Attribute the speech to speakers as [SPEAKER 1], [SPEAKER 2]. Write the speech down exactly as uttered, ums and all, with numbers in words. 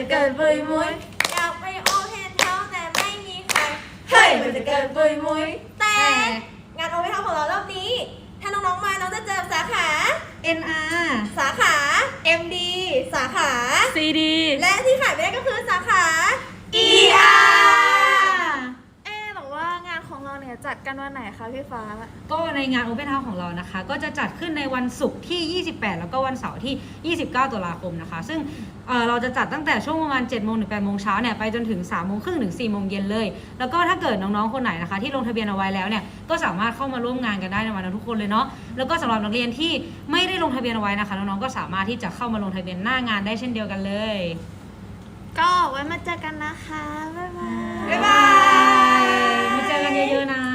[SPEAKER 1] จะเกิดปุยมุยอยากไปโอเพนเฮาส์แต่ไม่มีใครเฮ้ยมันจะเกิดปุยมุยแต่งานโอเพนเฮาส์ของเรารอบนี้ถ้าน้องๆมาน้องจะเจอสาขา
[SPEAKER 2] เอ็น อาร์
[SPEAKER 1] สาขา เอ็ม ดี สาขา
[SPEAKER 2] ซี ดี
[SPEAKER 1] และที่ขายไม่ได้ก็คือสาขา อี อาร์
[SPEAKER 3] เอ๊ะแต่ว่างานของเราเนี่ยจัดกันวันไหนคะพี่ฟ้า
[SPEAKER 2] ก็ในงาน Open House ของเรานะคะก็จะจัดขึ้นในวันศุกร์ที่ ยี่สิบแปด แล้วก็วันเสาร์ที่ ยี่สิบเก้า ตุลาคมนะคะซึ่งเเราจะจัดตั้งแต่ช่วงประมาณ เจ็ดโมง ถึง แปดโมงเช้าเนี่ยไปจนถึง สามโมงครึ่ง ถึง สี่โมงเย็นเลย แล้วก็ถ้าเกิดน้องๆคนไหนนะคะที่ลงทะเบียนเอาไว้แล้วเนี่ยก็สามารถเข้ามาร่วมงานกันได้ในวันนั้นทุกคนเลยเนาะแล้วก็สำหรับนักเรียนที่ไม่ได้ลงทะเบียนเอาไว้นะคะน้องๆก็สามารถที่จะเข้ามาลงทะเบียนหน้างานได้เช่นเดียวกันเลย
[SPEAKER 3] ก็ไว้มาเจอกันนะคะ บ๊ายบาย
[SPEAKER 1] บ๊ายบาย
[SPEAKER 2] มาเจอกันเยอะๆนะ